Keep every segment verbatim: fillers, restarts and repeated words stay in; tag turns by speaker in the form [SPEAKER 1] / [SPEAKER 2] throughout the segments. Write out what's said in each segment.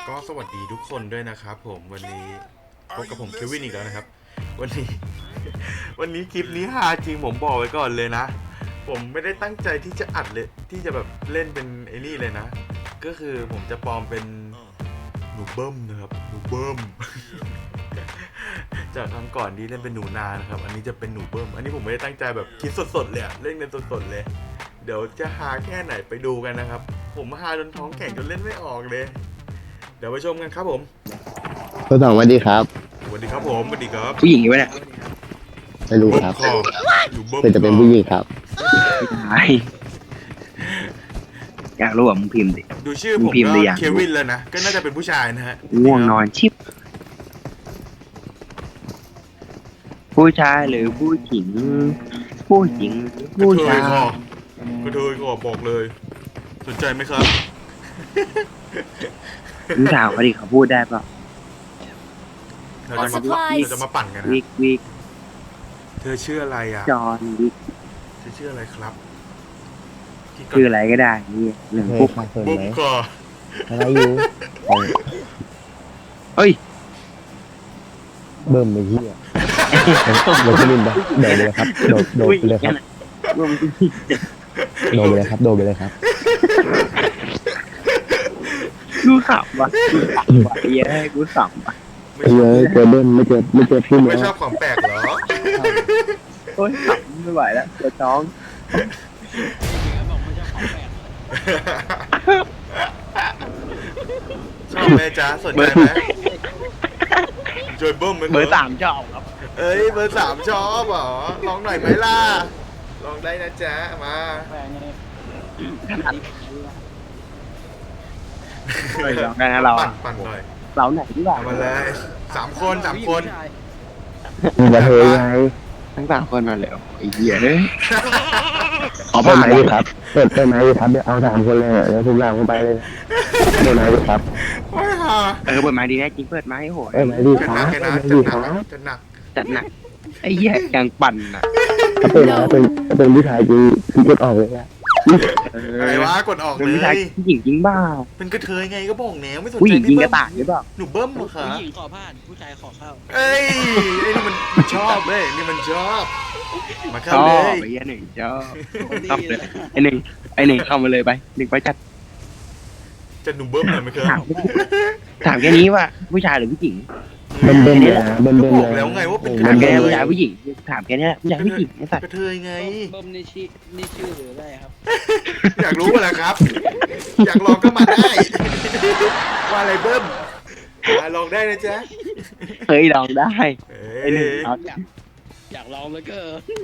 [SPEAKER 1] ก็สวัสดีทุกคนด้วยนะครับผมวันนี้พบกับผมเควินอีกแล้วนะครับวันนี้ วันนี้คลิปนี้ฮาจริงผมบอกไว้ก่อนเลยนะผมไม่ได้ตั้งใจที่จะอัดเลยที่จะแบบเล่นเป็นไอ้นี่เลยนะก็คือผมจะปลอมเป็นหนูเบิ้มนะครับหนูเบิ้ม จากครั้งก่อนที่เล่นเป็นหนูนานะครับอันนี้จะเป็นหนูเบิ้มอันนี้ผมไม่ได้ตั้งใจแบบคิดสดๆเลยเล่นเป็นสดๆเลยเดี๋ยวจะฮาแค่ไหนไปดูกันนะครับผมฮาจนท้องแข็งจนเล่นไม่ออกเลยเดี๋ยวไปชมกันครับผม
[SPEAKER 2] คุณสองสวัสดีครับ
[SPEAKER 1] สวัสดีครับผมสวัสดีครับ
[SPEAKER 3] ผู้หญิงอยู่ไหมเนี่ย
[SPEAKER 2] ไม่รู้ครับ
[SPEAKER 1] อยู่เบิ้ม
[SPEAKER 2] เป็นจะเป็นผู้หญิงครับ
[SPEAKER 3] ไม่อยากรู้ว่ามึงพิมพ์ดิ
[SPEAKER 1] ดูชื่อผมก็เควินแล้วนะก็น่าจะเป็นผู้ชายนะฮะ
[SPEAKER 3] ง่วงนอนชิบผู้ชายหรือผู้หญิงผู้หญิงผู้ชาย
[SPEAKER 1] ก็เธอก็บอกเลยสนใจไหมครับ
[SPEAKER 3] มึงถามเขาดิเขาพูดได้ป่ะ
[SPEAKER 1] เราจะมาเราจะมาปั่นกันนะ
[SPEAKER 3] วิกวิก
[SPEAKER 1] เธอชื่ออะไรอ่ะ
[SPEAKER 3] จอนวิก
[SPEAKER 1] เธอชื่ออะไรครับ
[SPEAKER 3] ชื่ออะไรก็ได้นี่หนึ่งปุ๊บ
[SPEAKER 1] บุ๊กก่อ
[SPEAKER 2] อะไรอยู่
[SPEAKER 3] เฮ้ย
[SPEAKER 2] เบิ่มไปที่อ่ะโดดไปเลยโดดเลยครับโดดโดดไปเลยครับโดดไปเลยครับโดดไปเลยครับ
[SPEAKER 3] กูขำว่ะกูขำว่ะเย้กูขำว่ะ
[SPEAKER 2] เยอะเจอเบิ้มไม่เจอไม่เจอพี่
[SPEAKER 1] ไม่ชอบของแปลกเหรอ
[SPEAKER 3] โอ้ยขำไม่ไหวแล้วปวดท้อง
[SPEAKER 1] ชอบไหมจ๊ะสนใจไหมจอยเบิ้ม
[SPEAKER 3] เบอร์สามชอบครับ
[SPEAKER 1] เอ้ยเบอร์สามชอบเหรอลองหน่อยไหมล่ะลองได้นะจ๊ะมา
[SPEAKER 3] ลองได้นะเรา
[SPEAKER 1] ปั่นหน่อย
[SPEAKER 3] เราไหนดีกว่า
[SPEAKER 1] มาเลยสามคนสามคน
[SPEAKER 2] มาเทไง
[SPEAKER 3] ทั้งสามคนมาเลยไอ้เหี้ยเลย
[SPEAKER 2] ขอเปิดไม้ดิครับเปิดเปิดไม้ดิครับเดี๋ยวเอาสามคนเลยเดี๋ยวทุกอย่างลงไปเลยเปิดไม้ดิครับ
[SPEAKER 3] เออเปิดไม้ดีแน่จริงเปิดไม้โหย
[SPEAKER 2] เปิดไม้ดิครับเปิดไม้ดิครับ
[SPEAKER 1] จะหนัก
[SPEAKER 3] จัดหนักไอ้เหี้ยยังปั่นอ่ะ
[SPEAKER 2] ถ้าเป็นถ้าเป็นถ้าเป็นผู้ชายจริงคือกดออกเลยอะ
[SPEAKER 1] อะไรวะกดออกเลย
[SPEAKER 3] ผู้ชายผู้หญิงจริงบ้า
[SPEAKER 1] เป็นกระเทยไงก็บอกแนวไม่สนใจ
[SPEAKER 3] ผู้หญิงจริงกระต่ายหรือเปล่า
[SPEAKER 1] หนูเบิ้มเหรอคะ
[SPEAKER 4] ผู้หญิงขอผ่านผู้ชายขอเข้า
[SPEAKER 1] เอ้ยไอ้นี่มันมันชอบเลยนี่มันชอบมาเข้าเลย
[SPEAKER 3] ไอ้หนึ่งชอบเข้าเลยไอ้หนึ่งไอ้หนึ่งเข้ามาเลยไปหนึ่งไปจัด
[SPEAKER 1] จะหนูเบิ้มหน่อยไหมครับ
[SPEAKER 3] ถามแค่นี้ว่าผู้ชายหรือผู้หญิง
[SPEAKER 2] เบิ้มเบิ้มเลยเบิ้มเบิ้ม
[SPEAKER 1] บอกแล้วไงว่าเป็น
[SPEAKER 3] ถามแค่ผู้ชายผู้หญิงถามแค่นี้ผู้ชายผู้หญิงไอ้สัตว์
[SPEAKER 1] กระเทยไง
[SPEAKER 4] เบิ้มนี่ชื่อนี่ชื่อหรืออะไรครับ
[SPEAKER 1] อยากรู้อะไรครับอยากลองก็มาได้ว่าอะไรเบิ้มมาลองได้นะจ๊ะ
[SPEAKER 3] เฮ้ยลองได้ไอ้หนึ่ง
[SPEAKER 4] อยากลองเลยก็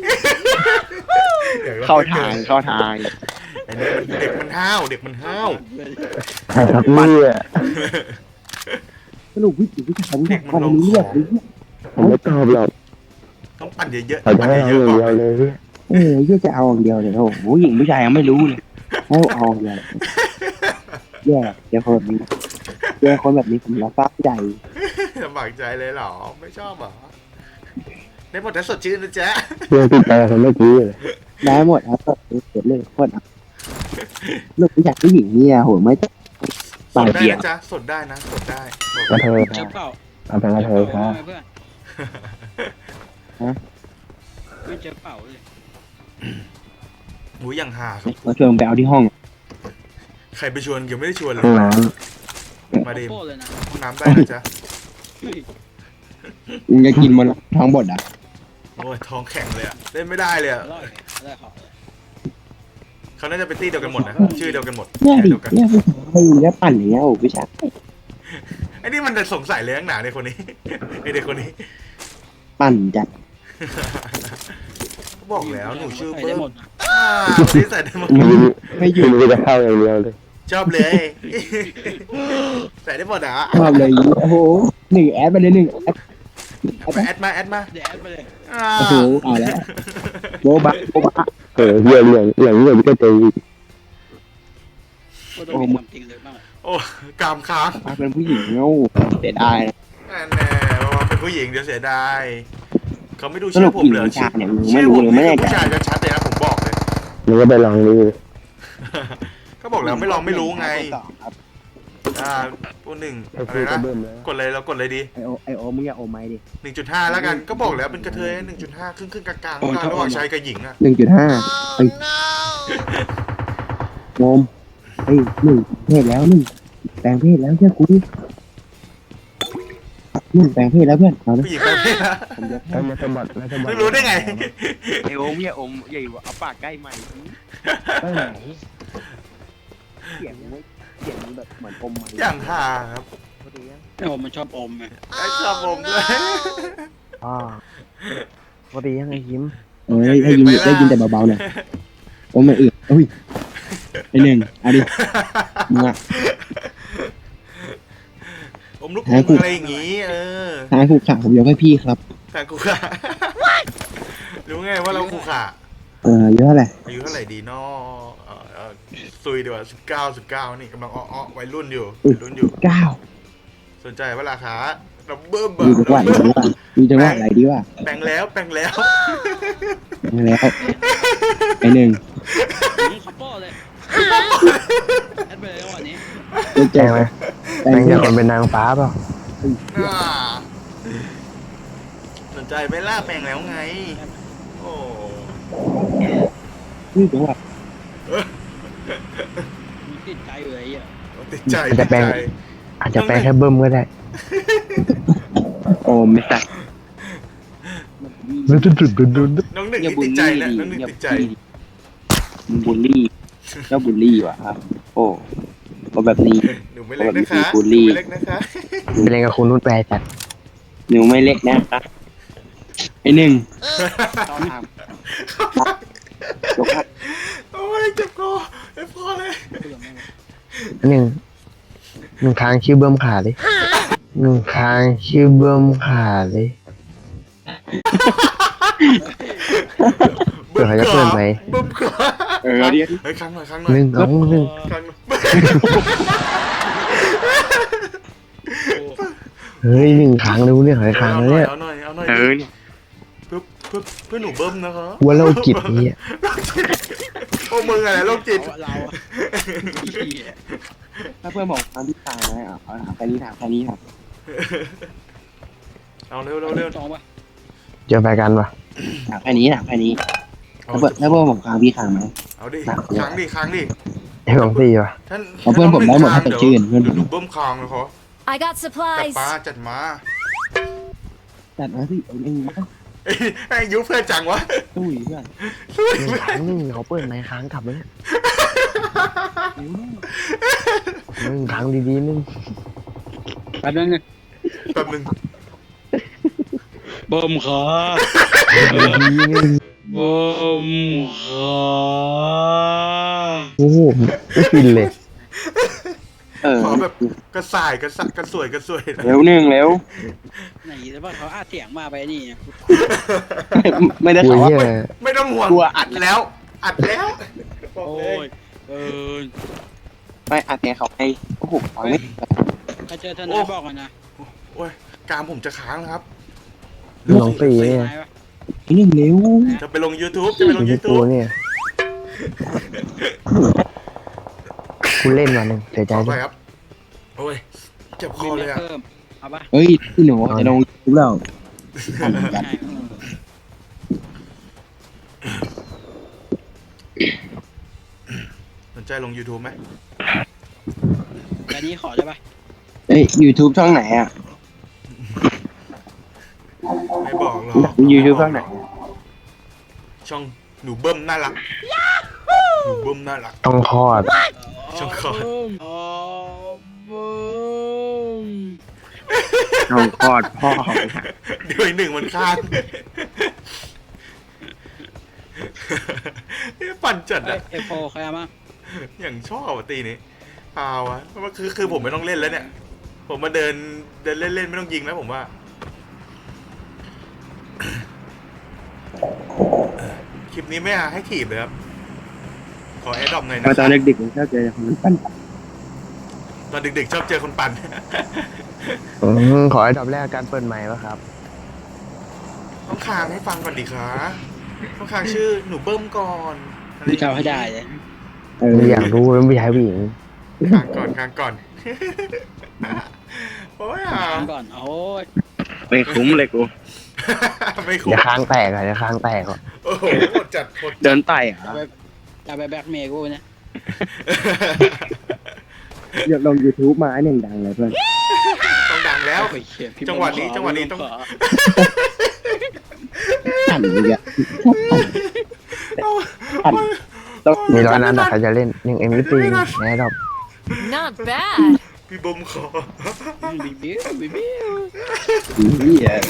[SPEAKER 3] เข้าทางเข้าทาง
[SPEAKER 1] ไอ้นี่มันเด็กมันห้าวเด็กมันห้าว
[SPEAKER 2] ครับเนี่ย
[SPEAKER 3] สรุปวิจิตรวิชาวิชาความรู้เรื่อง
[SPEAKER 2] ผมไม่ตอบหรอก
[SPEAKER 1] ต้องปั่นเยอะ
[SPEAKER 2] ๆปั่นเยอะๆเลย
[SPEAKER 3] เออเยอะจะเอาอย่างเดียวเลยโอ้โหผู้หญิงผู้ชายยังไม่รู้เลยให้เอาอย่างเดียวแย่เดี๋ยวคนแบบนี้แย่คนแบบนี้ผมรับใจ
[SPEAKER 1] ลำบากใจเลยเหรอไม่ชอบเหรอได้หมดแต่สดชื่นนะจ๊ะ
[SPEAKER 2] เรื่องติดใจคนเมื่อกี้เลย
[SPEAKER 3] ได้หมดครับเสร็จเลยโคตรลูกผู้ชายผู้หญิงเนี่ยโหไม่
[SPEAKER 1] สดได้นะจ๊ะสดได้นะสดได้
[SPEAKER 2] กระเทยค
[SPEAKER 4] รั
[SPEAKER 2] บ
[SPEAKER 4] เอา
[SPEAKER 2] เป็นกระเทยครับ
[SPEAKER 4] ฮะไม่เจอเป่าเลย
[SPEAKER 1] หูยังหาครับ
[SPEAKER 3] มาชวนไปเอาที่ห้อง
[SPEAKER 1] ใครไปชวนยังไม่ได้ชวนเลยมาดิห้องน้ำได้นะจ๊ะ
[SPEAKER 3] มึงจะกินมันท้องบดอ่ะ
[SPEAKER 1] โอ้ยท้องแข็งเลยอ่ะเล่นไม่ได้เลยอ่ะเขาน่าจะเป็นตี้เดียวกันหมดนะชื่อเดียวกันหมด
[SPEAKER 3] เนี่ยดิเนี่ยไม่รู้แล้วปั่นอย่างเงี้ยโอ้พี่ชาย
[SPEAKER 1] ไอ้นี่มันจะสงสัยเลยข้างหนาในคนนี้ไอเด็กคนนี้
[SPEAKER 3] ปั่นจัด
[SPEAKER 1] บอกแล้วหนูชื่อเบิ้มอ่าคนนี้ใส่ได้หมด
[SPEAKER 2] ไม่อยู่ไม่จะเข้าอย่างเดียวเลย
[SPEAKER 1] ชอบเลยใส่ได้หมดอ่ะ
[SPEAKER 3] ชอบเลยโอ้โหหนึ่งแอดไปเลยหนึ่งแอด
[SPEAKER 1] แอดมาแอดมา
[SPEAKER 4] แอดไปเลย
[SPEAKER 3] โอ้โหเอาแล้วโบบ้าโบบ้า
[SPEAKER 2] เออเรื่องเรื่องเรื่องเรื่องก็ตี
[SPEAKER 4] โอ้โหจริงเลยมาก
[SPEAKER 1] โอ้กามค้าง
[SPEAKER 3] เป็นผู้หญิงเงาเสียดาย
[SPEAKER 1] แน่ว่าเป็นผู้หญิงเดี๋ยวเสียดายเขาไม่ดูชื่อผมเลยชื่อชื่อผมไม่ผู้ชายจะชัดเลยนะผมบอกเลย
[SPEAKER 2] มึงก็ไปลองดู
[SPEAKER 1] ก็บอกแล้วไม่ลองไม่รู้ไงอ่าตัวหนึ่ง
[SPEAKER 2] ไอ้
[SPEAKER 1] อะไร
[SPEAKER 2] ฟูก็
[SPEAKER 1] นะ
[SPEAKER 2] เบิ่มแล้ว
[SPEAKER 1] กดเลยเรากดเลยดี
[SPEAKER 3] ไอโอไอโอมึงอย่าโอไม้ดิ
[SPEAKER 1] หนึ่งจุดห้าแล้วกันก็บอกแล้วเป็นกระเทยหนึ่งจุดห้าครึ่งครึ่งๆกลางๆระหว่างระหว่างชายกับหญิงอะ
[SPEAKER 3] หนึ่งจุดห้าไอ้โมมไอ้ยหนึ่งเพศแล้วหนึ่งแปลงเพศแล้วเชื่อกูดิหนึ่งแปลงเพศแล้วเพื่อนเอาละ
[SPEAKER 1] ผู้หญิงแปลงเพศนะ
[SPEAKER 3] ผมยก
[SPEAKER 2] แล้วมาสมบัติแล้วสมบัติ
[SPEAKER 1] ไม่รู้ได้ไง
[SPEAKER 3] ไอโอมอย่าโอมอย่าอยู่เอาปากใกล้ใหม่
[SPEAKER 2] ไปไหน
[SPEAKER 3] เสียงมึงเสียงมึงแบบเหมือนอมใหม่
[SPEAKER 1] อย่างห่าครับ
[SPEAKER 4] ไอ้ผมมันชอบอมไง
[SPEAKER 1] ไอ้ชอบผมด้วย
[SPEAKER 2] อ่าปกติยังไงยิ้ม
[SPEAKER 3] เอ้ยได้ยินได้ยินแต่เบาๆหน่อยโอมไม่อื่นอุ้ยไอหนึ่งเอาดิมึงอะ
[SPEAKER 1] ผมลูกอมอะไรอย่างงี้ เออ
[SPEAKER 3] ทางคู่ขาผมยกให้พี่ครับ
[SPEAKER 1] แต่กูขารู้ไงว่าเราคูขา
[SPEAKER 3] เออเยอะแหละ
[SPEAKER 1] อายุเท่าไหร่ดีเนาะเอ่อเอ่อซุยดีกว่าสิบเก้าสิบเก้านี่กำลังอ้อๆวัยรุ่นอยู่วัยรุ่นอยู่
[SPEAKER 3] เก้า
[SPEAKER 1] สนใจว่าราคาเราเบิ่ม
[SPEAKER 3] ดูจังหวะไหนดีว่าดูจังหวะไหนดีว่า
[SPEAKER 1] แปลงแล้วแปลงแล้ว
[SPEAKER 3] มาแล้วไอหนึ่ง
[SPEAKER 4] นี่คัปเปอร์เลยแอดไปเลยวันนี้
[SPEAKER 3] เจ๊
[SPEAKER 2] แจ้งไหม
[SPEAKER 3] แต่
[SPEAKER 2] แจ้ง
[SPEAKER 3] ง
[SPEAKER 2] จะคนเป็นนางฟ้าเปล่า
[SPEAKER 1] อ่าสนใจไหม่ล่าแปลงแล้วไง โอ้
[SPEAKER 3] นี่จังหวะ
[SPEAKER 4] มีติดใจเลยอ่ะ
[SPEAKER 1] ติดใจติดใจ
[SPEAKER 2] อาจจะแปลงแค่เบิ่มก็ได้
[SPEAKER 3] โอมไม่ใส่
[SPEAKER 2] ดุดดุดดุดดุดดุด
[SPEAKER 1] น้องหนึ่ง
[SPEAKER 3] อย่า
[SPEAKER 1] นี่
[SPEAKER 3] บูล
[SPEAKER 1] ติดใจ
[SPEAKER 3] ลี่
[SPEAKER 1] นะ
[SPEAKER 3] ดิ
[SPEAKER 1] น้องหนึ่ง
[SPEAKER 3] อย่า
[SPEAKER 1] ติดใจ
[SPEAKER 3] มึงบูลลี่เจ้าบูลลี่ว่ะครับ โอ้ก็แบบนี้
[SPEAKER 1] หนูไม่เล็กนะคะ
[SPEAKER 3] บูล
[SPEAKER 1] ห
[SPEAKER 3] ลี่
[SPEAKER 1] นูไม่เล็กนะคะ
[SPEAKER 2] ไปเล่นกับคุณนุชแปรจัด
[SPEAKER 3] หนูไม่เล็กนะครับไอหนึ่งตอนทำยกครับ
[SPEAKER 1] โอ้ยเจ็บคอไม่พอเลย
[SPEAKER 2] อันหนึ่งหนึ่งครั้งชื่อเบิ่มขาเลยหนึ่งครั้งชื่อเบิ่มขาเลยเผื่อเขาจะเปิดไหม
[SPEAKER 1] บึ้มก่อ
[SPEAKER 3] เออเดี๋ยว
[SPEAKER 1] เฮ้ยครั้งหน่อยครั้งหน่อย
[SPEAKER 2] หนึ่งเอาหนึ่ง
[SPEAKER 1] ครั้งหน่อย
[SPEAKER 2] เฮ้ยหนึ่งครั้งเลยเนี่ยหอยครั้ง
[SPEAKER 1] เอา
[SPEAKER 2] เลย
[SPEAKER 1] หน่อย
[SPEAKER 2] เนี่ย
[SPEAKER 1] เอาหน่อยเอาหน่อย
[SPEAKER 3] เออเนี่ย
[SPEAKER 1] เพื่อเพื่อเพื่อหนูเบิ้มนะคะ
[SPEAKER 2] วัวโรคจิตนี่
[SPEAKER 1] โอ้มึงอะไรโรคจิต
[SPEAKER 4] เราอะ
[SPEAKER 3] ถ้าเพื่อนบอกทางที่ทางนะเอาเอาถามแค่นี้ถามแค่นี้ครับ
[SPEAKER 1] เอาเร็วเร็วเร็ว
[SPEAKER 4] จองปะ
[SPEAKER 2] เจอไปกันปะ
[SPEAKER 3] ถามแค่นี้ถามแค่นี้
[SPEAKER 1] เอา
[SPEAKER 3] ถ้าเพื่อนถ้าเพื่อนบอกทางพี่ทางไหม
[SPEAKER 1] เอาดิครั้งดิครั้งดิ
[SPEAKER 2] ไอ้ของสี่ปะ
[SPEAKER 1] ท่าน
[SPEAKER 3] เอาเพื่อนผมได้หมดถ้าสดชื่นเพื่อนผม
[SPEAKER 1] หนูเบิ้มคางเลยเขา
[SPEAKER 5] I got
[SPEAKER 1] จัด
[SPEAKER 5] supplies.
[SPEAKER 1] มาจัดมา
[SPEAKER 3] จัดมาสิเอาเองนะ
[SPEAKER 1] เอ้ยไอ้ยุเพื่อนจังวะ
[SPEAKER 3] ตุ้ยเพื่อน
[SPEAKER 2] หนึ่งครั้งหนึ่งเขาเปิดไหมครั้งกลับเลยหนึ่งครั้งดีๆหนึ่ง
[SPEAKER 4] แป๊บนึงไง
[SPEAKER 1] แป๊บนึง
[SPEAKER 4] เบิ่มขา
[SPEAKER 2] ดีๆหนึ่ง
[SPEAKER 4] เบิ่มขา
[SPEAKER 2] โอ้โหไม่ฟินเลย
[SPEAKER 3] เออ
[SPEAKER 1] ขอแบบกระส่ายกระสักกระสวยกระสวยนะ
[SPEAKER 3] เร็วหนึ่งเร็ว
[SPEAKER 4] ไหนแต่ว่าเขาอาเสียงมาไปนี่
[SPEAKER 3] ไม่ได้
[SPEAKER 2] กลัว
[SPEAKER 3] ถามว่า
[SPEAKER 2] เหี้ย
[SPEAKER 1] ไม่ต้องห่วง
[SPEAKER 3] กลัวอั
[SPEAKER 1] อั
[SPEAKER 3] ด
[SPEAKER 1] ดแล้ว อัดแล้วบอก
[SPEAKER 4] โอ้
[SPEAKER 1] เลย
[SPEAKER 4] ยเออ
[SPEAKER 3] ไม่อัดแกเขาให้โอ้โหฟังไม่
[SPEAKER 4] ถ้าเจอทนายบอกกันนะ
[SPEAKER 1] โอ้ยกรามผมจะค้างแล้วครับ
[SPEAKER 2] น้องสี่
[SPEAKER 4] ท
[SPEAKER 2] เนี่ย
[SPEAKER 4] นายปะ
[SPEAKER 3] หนึ่งเร็ว
[SPEAKER 1] จะไปลง YouTube จะไปลง
[SPEAKER 2] อยู่ที่ตัว
[SPEAKER 1] YouTube
[SPEAKER 2] เนี่ยคุณเล่นวันหนึ่งเสียใจ
[SPEAKER 1] ขอ
[SPEAKER 2] ด้
[SPEAKER 1] ไป
[SPEAKER 2] วย
[SPEAKER 1] ครับ โอ้ยเจ็บคอเลยอ่ะ
[SPEAKER 4] เพิ่มเอาปะ
[SPEAKER 3] เฮ้ยพี่หนูจะลงทุกเรา
[SPEAKER 4] ใช่
[SPEAKER 1] สนใจลง YouTube ไหม
[SPEAKER 4] แต่นี้ขอได้ปะ
[SPEAKER 3] เฮ้ยยูทูบช่องไหนอ่ะ
[SPEAKER 1] ไม่บอกหรอก
[SPEAKER 3] ยูทูบช่องไหน
[SPEAKER 1] ช่องหนูเบิ้มน่ารักหนูเบิ้มน่ารัก
[SPEAKER 2] ต้องคลอด
[SPEAKER 1] ช่องคอร์ด
[SPEAKER 4] อ๋อเบิ่ม
[SPEAKER 3] น้องกอดพ่อ
[SPEAKER 1] เดี๋ยวอีกหนึ่งมันค้างปั่นจัด
[SPEAKER 4] เอ้
[SPEAKER 1] อะ
[SPEAKER 4] ยเอฟโฟใครเอามา
[SPEAKER 1] อย่างชอบอะตีนี้เปล่าวะเพราะว่าคือคือผมไม่ต้องเล่นแล้วเนี่ย ผมมาเดินเดินเล่นเล่นไม่ต้องยิงแล้วผมว่า คลิปนี้ไม่ให้ถีบเลยครับ ขอแอดดอปหน่อยนะ
[SPEAKER 3] มาตอนเด็กๆผมชอบเจอคนปั้น
[SPEAKER 1] ตอนเด็กๆชอบเจอคนปั่น
[SPEAKER 2] อืมขอให้ดับแรกการเปิดใหม่วะครับ
[SPEAKER 1] ต้องคางให้ฟังก่อนดิคะต้องคางชื่อหนูเบิ้มก่อนอะไร
[SPEAKER 4] พี่จะเอาให้ได้เลย
[SPEAKER 3] เออ
[SPEAKER 2] ไม่อยากรู้แล้วไม่ใช่ผู้หญิง
[SPEAKER 3] เ
[SPEAKER 1] ค้างก่อนค้างก่อน โอ้ยอ่ะ
[SPEAKER 4] ก่อนโอ้ย
[SPEAKER 3] ไม่คุ้มเลยกู
[SPEAKER 1] ไม่คุ้ม
[SPEAKER 2] เดี๋ยวค้างแตกอ่ะเดี๋ยวค้างแตกอ่ะ
[SPEAKER 1] โอ้โหโหดจัดโหด
[SPEAKER 3] เดินไต่อะ
[SPEAKER 4] จะไปจะไปแบ็กเมย์กูเนี่ย
[SPEAKER 3] เดี๋ยวลง YouTube มาไอ้หนึ่งดังเลยเพื่อน
[SPEAKER 1] ต้องดังแล้ว
[SPEAKER 4] โอ้ยเหี้ยพี่
[SPEAKER 1] จังหวะนี้
[SPEAKER 4] ขอ
[SPEAKER 1] จังหวะนี้ต้อง
[SPEAKER 4] ข
[SPEAKER 3] ปั่นอีกอะปั่นต้อง
[SPEAKER 2] มีร้อยนัดแต่ใครจะเล่นยังเอ็มวีปีแน่ดอก
[SPEAKER 5] Not bad.
[SPEAKER 1] พี่บมขอ
[SPEAKER 4] บิวบิวบิวบิว
[SPEAKER 3] เหี้ย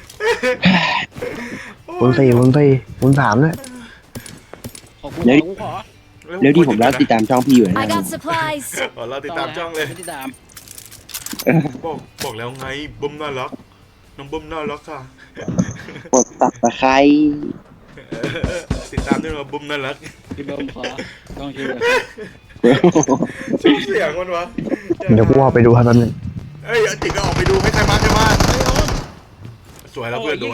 [SPEAKER 2] คูณสี่คูณสี่คูณสามเลย
[SPEAKER 4] ขอกูขอกูขอ
[SPEAKER 3] เดี๋ยวที่ผมรับติดตามช่องพี่อยู่นะ
[SPEAKER 5] I got supplies.
[SPEAKER 1] ขอเราติดตามช่องเลย
[SPEAKER 4] ติดตาม
[SPEAKER 1] บอกบอกแล้วไงบมน่ารักน้องบมน่ารักค่ะ
[SPEAKER 3] กดตับตะไคร้
[SPEAKER 1] เออติดตามด้วยนะบมน่ารัก
[SPEAKER 4] พี่เบิ้มขอต้องช่วย
[SPEAKER 1] ชอบเสียงมันวะ
[SPEAKER 2] เดี๋ยวกูเอาไปดูครับแป๊บนึง
[SPEAKER 1] เอ้ยจิกก็ออกไปดูให้ใครมาใครมาสวยแล้วเพื่อนโดน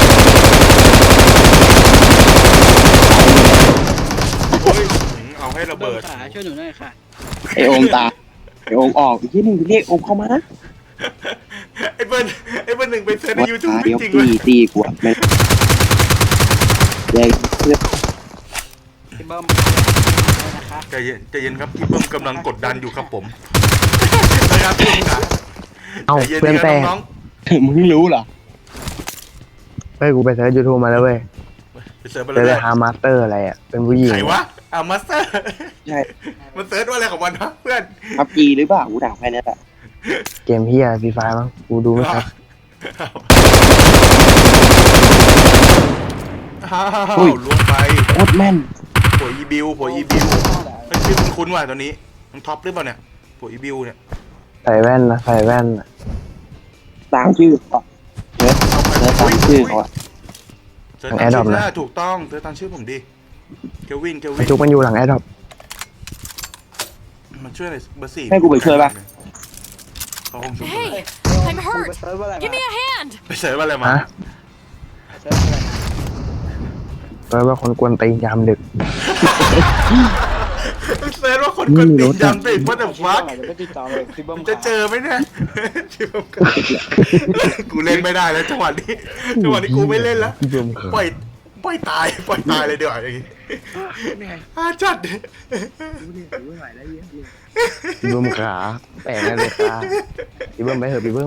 [SPEAKER 1] โอ้ยเอาให้ระ
[SPEAKER 4] เบิ้
[SPEAKER 1] เบิ
[SPEAKER 4] ม
[SPEAKER 1] ด
[SPEAKER 4] ขาช่วยหนูหน่อยค่ะ
[SPEAKER 3] ไอโอมตาไอโอมออกอีกที่หนึ่งเรียกโอมเข้ามา
[SPEAKER 1] ไอ้เบิ้ลไอ้เบิ้ลหนึ่งไปเซิร์ชใน
[SPEAKER 3] วัด
[SPEAKER 1] ยูทูบ
[SPEAKER 3] ขา
[SPEAKER 1] จ
[SPEAKER 3] เดี๋ยว
[SPEAKER 1] ริงๆเล
[SPEAKER 3] ตี
[SPEAKER 1] ย
[SPEAKER 3] ตีกวดเลยแยกเพื่อน
[SPEAKER 4] พี่เบิ้มนะคะ
[SPEAKER 1] ใจเย็นใจเย็นครับพี่เบิ้มกำลังกดดันอยู่ครับผมนะครับพี่ขา
[SPEAKER 2] เอ้า
[SPEAKER 1] ใจย็
[SPEAKER 2] เพื่อน
[SPEAKER 1] ดีะ
[SPEAKER 2] แตก
[SPEAKER 1] น้อง
[SPEAKER 3] มึงรู้เหรอ
[SPEAKER 2] เฮ้ยกูไปเซิร์ชยูทูบมาแล้วเว้ย
[SPEAKER 1] ๆไปเซิร์ชไป
[SPEAKER 2] เจ
[SPEAKER 1] เล
[SPEAKER 2] อย ฮามาสเตอร์อะไรอ่ะเป็นผู้หญิง
[SPEAKER 1] ใครวะอ่ามาสเตอร์
[SPEAKER 3] ใช่
[SPEAKER 1] มันเซิร์ชว่าอะไรของมันวะเพื่อน
[SPEAKER 3] พับจีหรือเปล่ากูด่าใครเนี่ยแหละ
[SPEAKER 2] เกมเฮียฟรีไฟมั้งกูดูไม่ครับ
[SPEAKER 1] อ้าวล้วงไป
[SPEAKER 3] โคตรแม่น
[SPEAKER 1] โผล่อีบิวโผล่อีบิวเฮ้ยชื่อคุ้นๆว่ะตัวนี้มันท็อปหรือเปล่าเนี่ยโผล่อีบิวเนี่ย
[SPEAKER 2] ใส่แว่นนะใส่แว่นน่ะ
[SPEAKER 3] ตามชื่อเขาเนื้อเนื้อตามชื่อเขาอะ
[SPEAKER 1] เซิร์ชตามชื่อนะถูกต้องเซิร์ชตามชื่อผมดิเควินเควิน
[SPEAKER 2] จุกมันอยู่หลังแอดดอป
[SPEAKER 1] มันช่วยอะไรเบอร์สี่
[SPEAKER 3] ให้กูไปช่วยปะ
[SPEAKER 1] เขาคงช่วย
[SPEAKER 5] Hey, I'm hurt. Give me a hand.
[SPEAKER 1] ไปเซิร์ชว่าอะไรมา
[SPEAKER 2] ฮะเปิดว่าคนกวนตีนยามดึก
[SPEAKER 1] เซิร์ชว่าคนกดติดจำติดว่าแต่ฟัก
[SPEAKER 4] เดี๋ยวไปติดต่อเลยพี่เบิ้ม
[SPEAKER 1] จะเจอไหมเนี่ยชิบหายกูเล่นไม่ได้แล้วจังหวะนี้จังหวะนี้กูไม่เล่นแล้ว
[SPEAKER 2] รวมขา
[SPEAKER 1] ปล่อยปล่อยตายปล่อยตายเลยเดี๋ยวาอย่างงี้อาจัด
[SPEAKER 2] รวมขาแปลกเลยค่ะพี่เบิ้มไปเถอะพี่เบิ้ม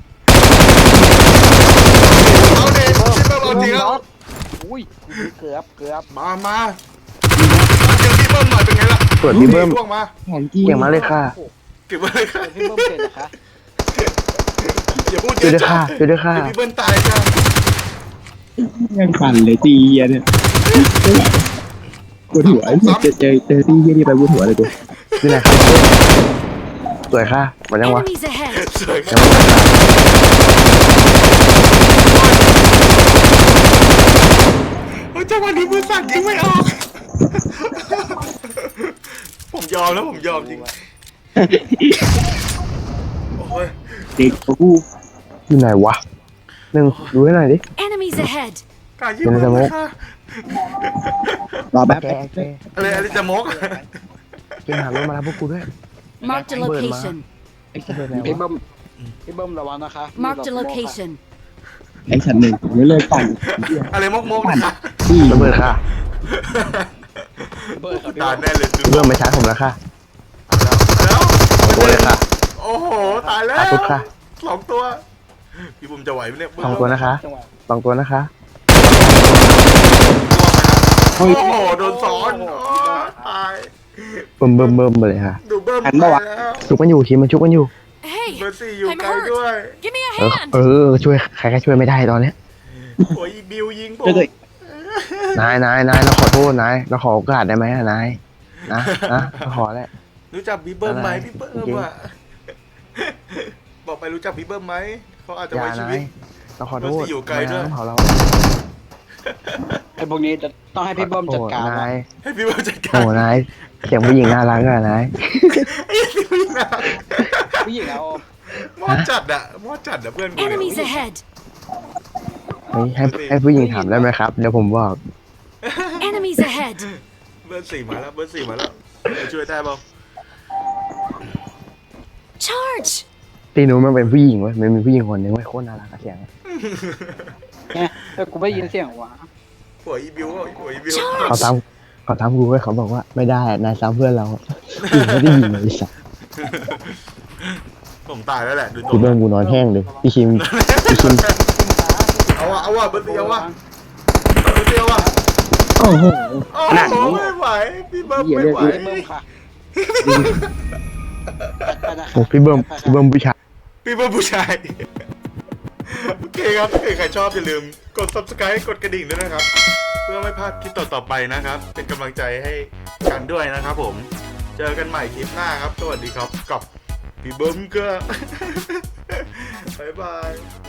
[SPEAKER 1] เอาเด็กชิบหายเอาจริงแล้ว
[SPEAKER 4] อุ้ยเกือบเกือบ
[SPEAKER 1] มามาเจอพี่เบิ้มหน่อยเป็นไงล่ะ
[SPEAKER 2] เปิดพี่เบิ้ม
[SPEAKER 1] ล่วงมา
[SPEAKER 3] แผนที่
[SPEAKER 2] เก่งมาเลยค่ะ
[SPEAKER 1] เก็บไว้เลยค่ะ
[SPEAKER 4] พี่เบิ้มเป็นนะคะ
[SPEAKER 1] อย่าพูดเย
[SPEAKER 2] ช่วย
[SPEAKER 1] อะ
[SPEAKER 2] ด้วย
[SPEAKER 1] จ้ะ
[SPEAKER 2] ค่ะช่วยด้วยค่ะ
[SPEAKER 1] เดี๋ยวพี่เบิ้มตายจ้ะ
[SPEAKER 3] ยังปั่นเลยตีเหี้ยเนี่ยปวดหัวเจอเจอเจอตีเหี้ยนี่ไปปวดหัวเลยกู
[SPEAKER 2] นี่แหละครับสวยค่ะหมดยังวะ
[SPEAKER 5] Enemies ahead.
[SPEAKER 1] สวยค
[SPEAKER 2] ยั
[SPEAKER 1] รับ
[SPEAKER 2] งไม่หมดค่ะ
[SPEAKER 1] โอ้ยจังหวะนี้มือสั่นยิงไม่ออกผมยอมแล้วผมยอมจริงโอ้ย
[SPEAKER 3] เด็กกู
[SPEAKER 2] อยู่ไหนวะหนึ่งดูให้หน่อยดิ
[SPEAKER 5] Enemies ahead.
[SPEAKER 1] กล้ายิงมันเลยค่ะ
[SPEAKER 3] รอแป๊บ
[SPEAKER 2] แกแก
[SPEAKER 1] อะไรอะไรจะมก
[SPEAKER 2] เกมหารถมารับพวกกูด้วย
[SPEAKER 5] Marked a location.
[SPEAKER 4] พี่เบิ้มพี่เบิ้มระวังนะคะ
[SPEAKER 5] Marked a location.
[SPEAKER 3] ไอ้ฉันหนึ่งไม่เลิกปั่น
[SPEAKER 1] อะไรมกมกนะคะ
[SPEAKER 3] ที่
[SPEAKER 2] ระเบิดค่ะ
[SPEAKER 4] เบิ้มครับพี่
[SPEAKER 1] ตาย
[SPEAKER 4] เบิ้ม
[SPEAKER 1] แน่เลย
[SPEAKER 2] พี่เบิ้มไม่ชาร์จผมแล้วค่ะ
[SPEAKER 1] แล้ว
[SPEAKER 2] สองตัวเลยค่ะ
[SPEAKER 1] โอ้โหตายแล้ว
[SPEAKER 2] ขาตุ๊ดค่ะ
[SPEAKER 1] สองตัวพี่บุ๋มจะไหวไหมเนี่ย
[SPEAKER 2] สองตัวนะคะ
[SPEAKER 4] จังหวะ
[SPEAKER 2] สองตัวนะคะ
[SPEAKER 1] โอ้โหโดนซ้อนโอ้ตาย
[SPEAKER 2] เบิ่มเบิ่มเบิ่มไปเลยค่ะ
[SPEAKER 1] ดูเบิ้ม
[SPEAKER 3] หันมาวะ
[SPEAKER 1] แล้ว
[SPEAKER 2] ชุกมันอยู่ทีมมันชุกมันอยู่
[SPEAKER 5] Hey,
[SPEAKER 1] เบอร์สี่อยู่
[SPEAKER 5] I'm
[SPEAKER 1] ไกลด้วย
[SPEAKER 5] hurt. Give me a
[SPEAKER 2] เออ
[SPEAKER 5] hand.
[SPEAKER 2] เออช่วยใครก็ช่วยไม่ได้ตอนเนี้ย
[SPEAKER 1] โอ้ยบิวยิงผม
[SPEAKER 3] เจอตัว
[SPEAKER 2] นายนายนายเราขอโทษนายเราขอโอกาสได้ไหมอะนายนะนะเราขอแหละ
[SPEAKER 1] รู้จักบีเบิ้มไหม
[SPEAKER 2] อะไร
[SPEAKER 1] พี่เบิ้ม
[SPEAKER 2] จริง
[SPEAKER 1] อ่ะบอกไปรู้จักบีเบิ้มไหมเขาอาจจะ
[SPEAKER 2] อย่า
[SPEAKER 1] ไว้ชี
[SPEAKER 2] นา
[SPEAKER 1] วิ
[SPEAKER 2] ย
[SPEAKER 1] ต
[SPEAKER 2] เราขอโทษ
[SPEAKER 1] เบอร์สี่อยู่ไกลด้วย
[SPEAKER 2] เผาเรา
[SPEAKER 4] ไอ้พวกนี้จะต้องให้พี่เบิ้มจัดการ
[SPEAKER 2] โอ้
[SPEAKER 4] ว่ะ
[SPEAKER 2] นาย
[SPEAKER 1] ให้พี่เบิ้มจัดกา
[SPEAKER 2] โอ้
[SPEAKER 1] ร
[SPEAKER 2] นายเสียงผู้หญิงน่ารักอะนาย
[SPEAKER 1] ไอ้พี่เบิ้มนะ
[SPEAKER 4] ผู้หญิงเอา
[SPEAKER 1] มอดจัดอะมอดจัดอะเพื่อนกู
[SPEAKER 5] Enemies ahead.
[SPEAKER 2] เฮ้ยให้ให้ผู้หญิงถามได้ไหมครับเดี๋ยวผมบอก
[SPEAKER 5] Enemies ahead.
[SPEAKER 1] เบอร์สี่มาแล้วเบอร์สี่มาแล้วไปช่วยได้เปล่า
[SPEAKER 5] Charge!
[SPEAKER 2] ตีนู้นมันเป็นผู้หญิงเว้ยมันเป็นผู้หญิงคนหนึงเว้ยโคตรน่ารักอะเสียงอะ
[SPEAKER 3] เนี่ยแต่กูไม่ยินเสียงวะ
[SPEAKER 1] หัวอีบิวอะหัวอีบิว
[SPEAKER 2] เขาตามเขาตามกูเว้ยเขาบอกว่าไม่ได้นายซ้ำเพื่อนเราผู้หญิงไม่ได้ยิงเลยไอ้สัส
[SPEAKER 1] ผมตายแล้วแหละดูตัว
[SPEAKER 2] พี่เบิ้มกูนอนแห้งเลยพี่คิมพี่คิม
[SPEAKER 1] เอาวะเอาวะเบอร์เดียววะเบอร์เดียววะ
[SPEAKER 2] โอ้โห
[SPEAKER 1] โอ้โหไม่ไหวพี่เบิ้ม
[SPEAKER 3] เหี้ย
[SPEAKER 1] ไม่
[SPEAKER 3] เลือด
[SPEAKER 1] ไหว
[SPEAKER 3] เลือดเบิ่มค่ะ
[SPEAKER 2] โอ้พี่เบิ้มพี่เบิ้มผู้ชาย
[SPEAKER 1] พี่เบิ้มผู้ชายโอเคครับถ้าเกิดใครชอบอย่าลืมกด subscribe กดกระดิ่งด้วยนะครับ เพื่อไม่พลาดคลิปต่อๆไปนะครับ เป็นกำลังใจให้กันด้วยนะครับผมเจอกันใหม่คลิปหน้าครับสวัสดีครับกับพี่เบิ้มก็ บ๊ายบาย